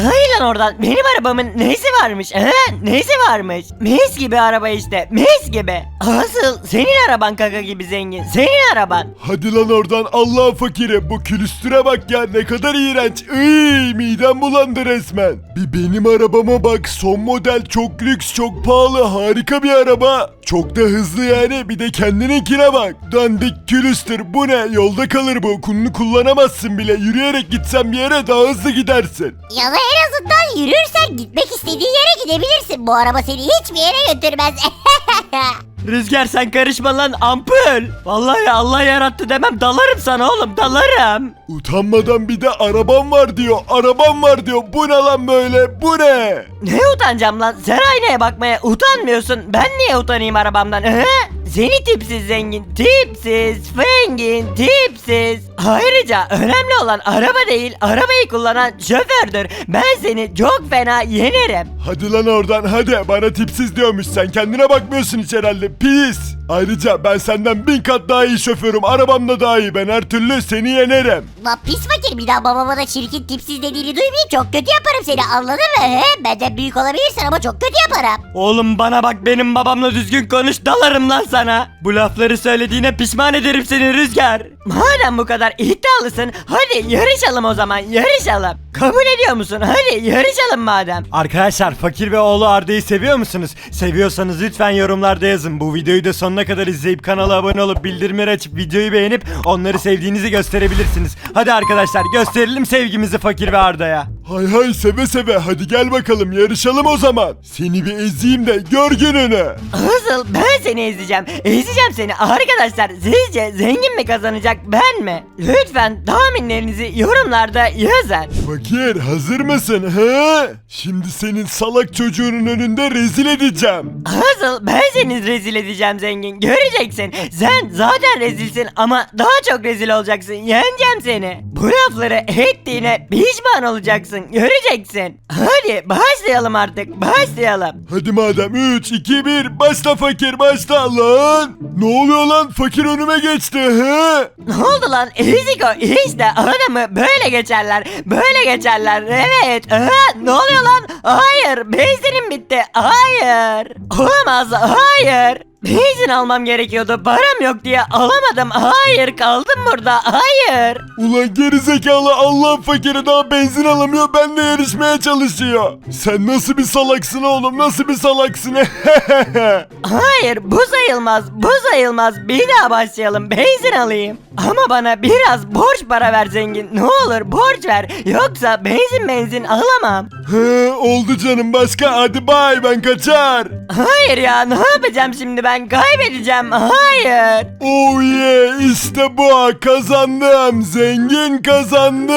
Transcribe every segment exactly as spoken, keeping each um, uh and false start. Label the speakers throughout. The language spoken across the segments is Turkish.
Speaker 1: Hayır lan oradan. Benim arabamın neyse varmış? He? Neyse varmış? Mis gibi araba işte. Mis gibi. Asıl senin araban kaka gibi zengin. Senin araban.
Speaker 2: Hadi lan oradan Allah fakiri, bu külüstüre bak ya, ne kadar iğrenç. Iy, midem bulandı resmen. Bir benim arabama bak, son model, çok lüks, çok pahalı, harika bir araba. Çok da hızlı yani, bir de kendininkine bak. Dandik külüstür, bu ne, yolda kalır bu, kulunu kullanamazsın bile, yürüyerek gitsen bir yere daha hızlı gidersin.
Speaker 3: Ya da en azından yürürsen gitmek istediğin yere gidebilirsin. Bu araba seni hiçbir yere götürmez.
Speaker 1: Rüzgar sen karışma lan ampul. Vallahi Allah yarattı demem dalarım sana oğlum dalarım.
Speaker 2: Utanmadan bir de arabam var diyor, arabam var diyor, bu ne lan böyle, bu ne?
Speaker 1: Ne utanacağım lan? Sen aynaya bakmaya utanmıyorsun. Ben niye utanayım arabamdan? He? Seni tipsiz zengin, tipsiz, fengin, tipsiz. Ayrıca önemli olan araba değil, arabayı kullanan şofördür. Ben seni çok fena yenerim.
Speaker 2: Hadi lan oradan, hadi, bana tipsiz diyormuş, sen kendine bakmıyorsun hiç herhalde, pis. Ayrıca ben senden bin kat daha iyi şoförüm, arabam da daha iyi, ben her türlü seni yenerim.
Speaker 3: Lan pis fakir, bir daha babama da çirkin tipsiz dediğini duymayayım, çok kötü yaparım seni, anladın mı? He? Benden büyük olabilirsin ama çok kötü yaparım.
Speaker 1: Oğlum bana bak benim babamla düzgün konuş dalarım lan sana. Bu lafları söylediğine pişman ederim seni Rüzgar. Madem bu kadar iddialısın hadi yarışalım o zaman yarışalım. Kabul ediyor musun? Hadi yarışalım madem.
Speaker 4: Arkadaşlar Fakir ve oğlu Arda'yı seviyor musunuz? Seviyorsanız lütfen yorumlarda yazın. Bu videoyu da sonuna kadar izleyip kanala abone olup bildirimleri açıp videoyu beğenip onları sevdiğinizi gösterebilirsiniz. Hadi arkadaşlar gösterelim sevgimizi Fakir ve Arda'ya.
Speaker 2: Hay hay, seve seve, hadi gel bakalım yarışalım o zaman. Seni bir ezeyim de gör gününü.
Speaker 1: Asıl ben seni ezeceğim. Ezeceğim seni arkadaşlar. Sizce zengin mi kazanacak ben mi? Lütfen tahminlerinizi yorumlarda yazın.
Speaker 2: Fakir, hazır mısın he? Şimdi senin salak çocuğunun önünde rezil edeceğim.
Speaker 1: Asıl ben seni rezil edeceğim zengin. Göreceksin. Sen zaten rezilsin ama daha çok rezil olacaksın. Yeneceğim seni. Bu lafları ettiğine pişman olacaksın. Göreceksin. Hadi başlayalım artık. Başlayalım.
Speaker 2: Hadi madem, üç, iki, bir, başla fakir, başla lan. Ne oluyor lan, fakir önüme geçti he?
Speaker 1: Ne oldu lan? Ezik o. İşte adamı böyle geçerler. Böyle geçerler. Evet. Aha, ne oluyor lan? Hayır. Benzinim bitti. Hayır. Olamaz. Hayır. Benzin almam gerekiyordu. Param yok diye alamadım. Hayır. Kaldım burada. Hayır.
Speaker 2: Ulan gerizekalı, Allah fakiri daha benzin alamıyor, benle yarışmaya çalışıyor. Sen nasıl bir salaksın oğlum, nasıl bir salaksın?
Speaker 1: Hayır. Bu sayılmaz. Bu sayılmaz. Bir daha başlayalım. Benzin alayım. Ama bana biraz borç para ver zengin. Ne olur borç ver. Yoksa benzin benzin alamam.
Speaker 2: He, oldu canım, başka, hadi bay, ben kaçar.
Speaker 1: Hayır ya. Ne yapacağım şimdi ben? Kaybedeceğim. Hayır.
Speaker 2: Oh yeah, işte bu, kazandım, zengin kazandı.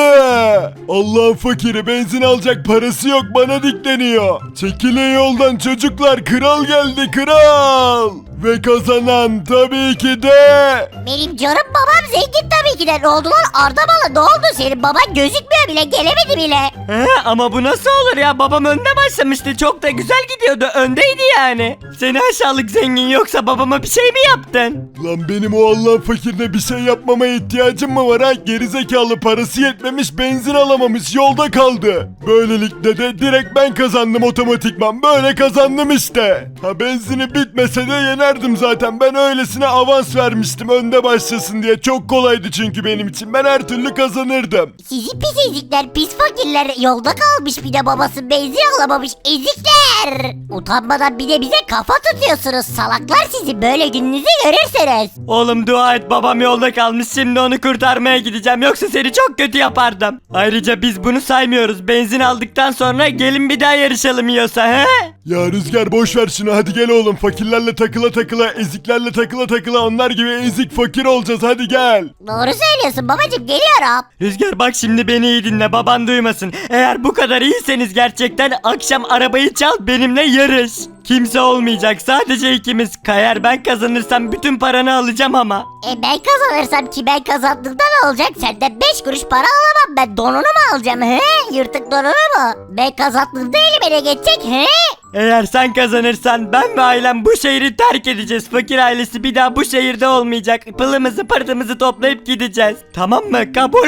Speaker 2: Allah fakiri, benzin alacak parası yok, bana dikleniyor. Çekilin yoldan çocuklar, kral geldi, kral. Ve kazanan tabii ki de...
Speaker 3: Benim canım babam zengin tabii ki de. Ne oldu lan Arda bana, ne oldu, senin baban gözükmüyor bile, gelemedi bile.
Speaker 1: He, ama bu nasıl olur ya? Babam önde başlamıştı. Çok da güzel gidiyordu. Öndeydi yani. Seni aşağılık zengin, yoksa babama bir şey mi yaptın?
Speaker 2: Lan benim o Allah fakirde bir şey yapmama ihtiyacım mı var ha? Gerizekalı, parası yetmemiş, benzin alamamış, yolda kaldı. Böylelikle de direkt ben kazandım otomatikman. Böyle kazandım işte. Ha, benzini bitmese de yenerdim zaten. Ben öylesine avans vermiştim önde başlasın diye. Çok kolaydı çünkü benim için. Ben her türlü kazanırdım.
Speaker 3: Sizi pis ezikler, pis fakirler, yolda kalmış bir de babası benzin alamamış ezikler. Utanmadan bir de bize kafa tutuyorsunuz salaklar, sizi böyle gününüzü görürsünüz.
Speaker 1: Oğlum dua et, babam yolda kalmış. Şimdi onu kurtarmaya gideceğim. Yoksa seni çok kötü yapardım. Ayrıca biz bunu saymıyoruz. Benzin aldıktan sonra gelin bir daha yarışalım yiyorsa he?
Speaker 2: Ya Rüzgar, boş ver şunu, hadi gel oğlum, fakirlerle takıla takıla, eziklerle takıla takıla, onlar gibi ezik fakir olacağız, hadi gel.
Speaker 3: Doğru söylüyorsun babacım, geliyorum.
Speaker 1: Rüzgar bak şimdi beni iyi dinle, baban duymasın. Eğer bu kadar iyiyseniz gerçekten akşam arabayı çal, benimle yarış. Kimse olmayacak, sadece ikimiz. Kayar ben kazanırsam bütün paranı alacağım ama.
Speaker 3: E ben kazanırsam ki, ben kazandığımda ne olacak? Senden beş kuruş para alamam, ben donunu mu alacağım he? Yırtık donunu mu? Ben kazandığımda elime ne geçecek he?
Speaker 1: Eğer sen kazanırsan ben ve ailem bu şehri terk edeceğiz. Fakir ailesi bir daha bu şehirde olmayacak. Pılımızı pırtımızı toplayıp gideceğiz. Tamam mı? Kabul mü?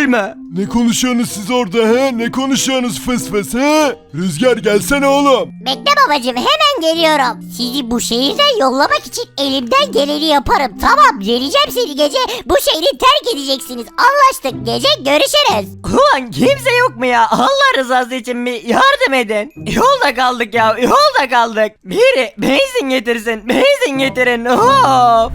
Speaker 2: Ne konuşuyorsunuz siz orada he? Ne konuşuyorsunuz fıs fıs he? Rüzgar gelsene oğlum.
Speaker 3: Bekle babacım, hemen geliyorum. Sizi bu şehirden yollamak için elimden geleni yaparım. Tamam, geleceğim seni gece. Bu şehri terk edeceksiniz. Anlaştık, gece görüşürüz.
Speaker 1: Ulan kimse yok mu ya? Allah rızası için bir yardım edin. Yolda kaldık ya, yolda kaldık. Biri benzin getirsin, benzin getirin. Of.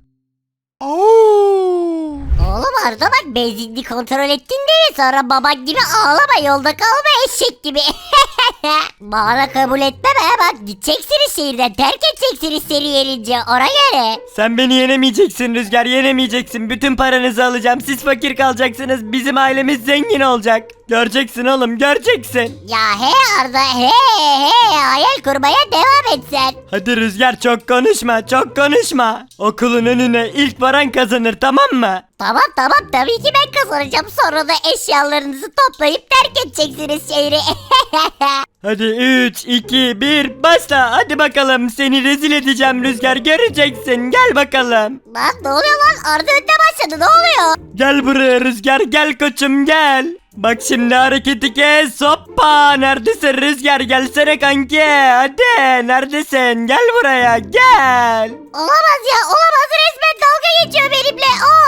Speaker 3: Oğlum Arda bak, benzinli kontrol ettin değil mi? Sonra baban gibi ağlama, yolda kalma eşek gibi. Bana kabul etmem ha, bak gideceksiniz şehirden, terk edeceksiniz seni yenince, ona göre.
Speaker 1: Sen beni yenemeyeceksin Rüzgar, yenemeyeceksin. Bütün paranızı alacağım. Siz fakir kalacaksınız. Bizim ailemiz zengin olacak. Göreceksin oğlum, göreceksin.
Speaker 3: Ya he Arda, he he, hayal kurmaya devam et sen.
Speaker 1: Hadi Rüzgar, çok konuşma, çok konuşma. Okulun önüne ilk varan kazanır, tamam mı?
Speaker 3: Tamam tamam, tabii ki ben kazanacağım, sonra da eşyalarınızı toplayıp terk edeceksiniz şehri.
Speaker 1: Hadi üç, iki, bir, başla. Hadi bakalım, seni rezil edeceğim Rüzgar, göreceksin. Gel bakalım.
Speaker 3: Lan ne oluyor lan, Arda önde başladı, ne oluyor?
Speaker 1: Gel buraya Rüzgar, gel koçum gel. Bak şimdi hareketi kes, hoppa. Neredesin Rüzgar, gelsene kanki. Hadi, neredesin, gel buraya, gel.
Speaker 3: Olamaz ya, olamaz, resmen dalga geçiyor benimle.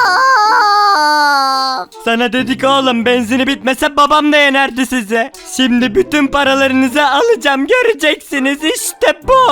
Speaker 3: Of.
Speaker 1: Sana dedik oğlum, benzini bitmese babam da yenerdi sizi. Şimdi bütün paralarınızı alacağım, göreceksiniz, işte bu.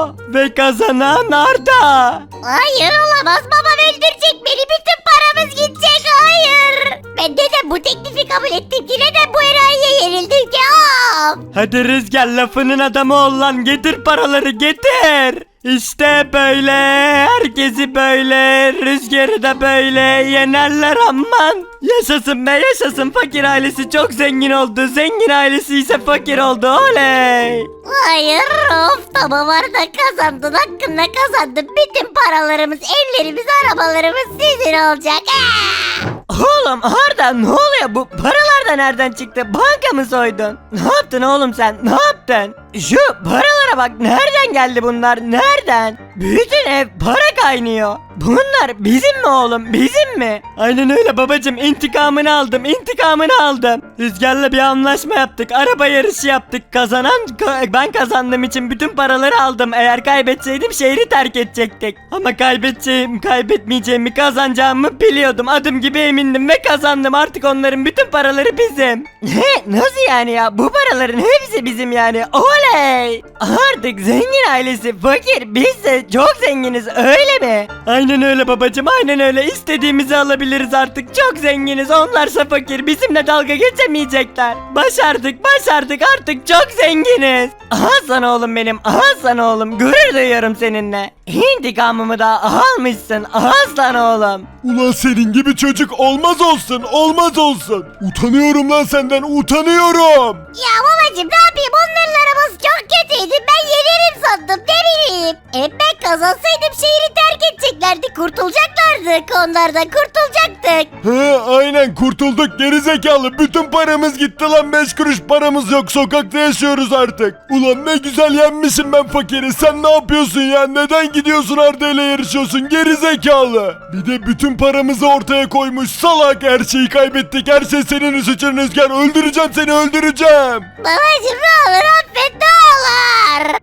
Speaker 1: Ve kazanan Arda.
Speaker 3: Hayır olamaz, babam öldürecek beni, bütün paramız gidecek, hayır. Ben neden bu teklifi kabul ettim ki, neden bu enayiye yenildim ki? Of.
Speaker 1: Hadi Rüzgar, lafının adamı ol lan, getir paraları, getir. İşte böyle, herkesi böyle, Rüzgar'ı da böyle yenerler, aman. Yaşasın be, yaşasın, fakir ailesi çok zengin oldu, zengin ailesi ise fakir oldu, oley.
Speaker 3: Hayır, of, tamam Arda, kazandın, hakkında kazandın. Bütün paralarımız, evlerimiz, arabalarımız sizin olacak. Ah!
Speaker 1: Oğlum Arda, ne oluyor, bu paralar da nereden çıktı, banka mı soydun? Ne yaptın oğlum sen, ne yaptın? Şu paralara bak, nereden geldi bunlar, nereden? Bütün ev para kaynıyor. Bunlar bizim mi oğlum, bizim mi? Aynen öyle babacım, intikamını aldım, intikamını aldım. Rüzgar'la bir anlaşma yaptık, araba yarışı yaptık. Kazanan ka- ben kazandığım için bütün paraları aldım. Eğer kaybetseydim şehri terk edecektik. Ama kaybedeceğim, kaybetmeyeceğimi, kazanacağımı biliyordum. Adım gibi emindim ve kazandım. Artık onların bütün paraları bizim. Ne? Nasıl yani ya? Bu paraların hepsi bizim yani. Oley! Artık zengin ailesi fakir, biz de çok zenginiz, öyle mi? Aynen öyle babacım, aynen öyle. İstediğimizi alabiliriz artık. Çok zenginiz, onlarsa fakir. Bizimle dalga geçemeyecekler. Başardık, başardık, artık çok zenginiz. Aha sana oğlum benim, aha sana oğlum. Gurur duyuyorum seninle. İntikamımı da almışsın, aslan oğlum.
Speaker 2: Ulan senin gibi çocuk olmaz olsun, olmaz olsun. Utanıyorum lan senden, utanıyorum.
Speaker 3: Ya babacım, ne yapayım, onların arabası çok kötüydü, ben yenerim sandım, ne bileyim. E ben kazansaydım şehri terk edeceklerdi, kurtulacaklardık, onlardan kurtulacaktık.
Speaker 2: He aynen kurtulduk gerizekalı. Bütün paramız gitti lan, beş kuruş paramız yok, sokakta yaşıyoruz artık. Ulan ne güzel yenmişim ben fakiri. Sen ne yapıyorsun ya, neden gidiyorsun Arda ile yarışıyorsun gerizekalı. Bir de bütün paramızı ortaya koymuş salak. Her şeyi kaybettik, her şey senin suçun Rüzgar. Öldüreceğim seni, öldüreceğim.
Speaker 3: Babacım ne olur affet, ne olur.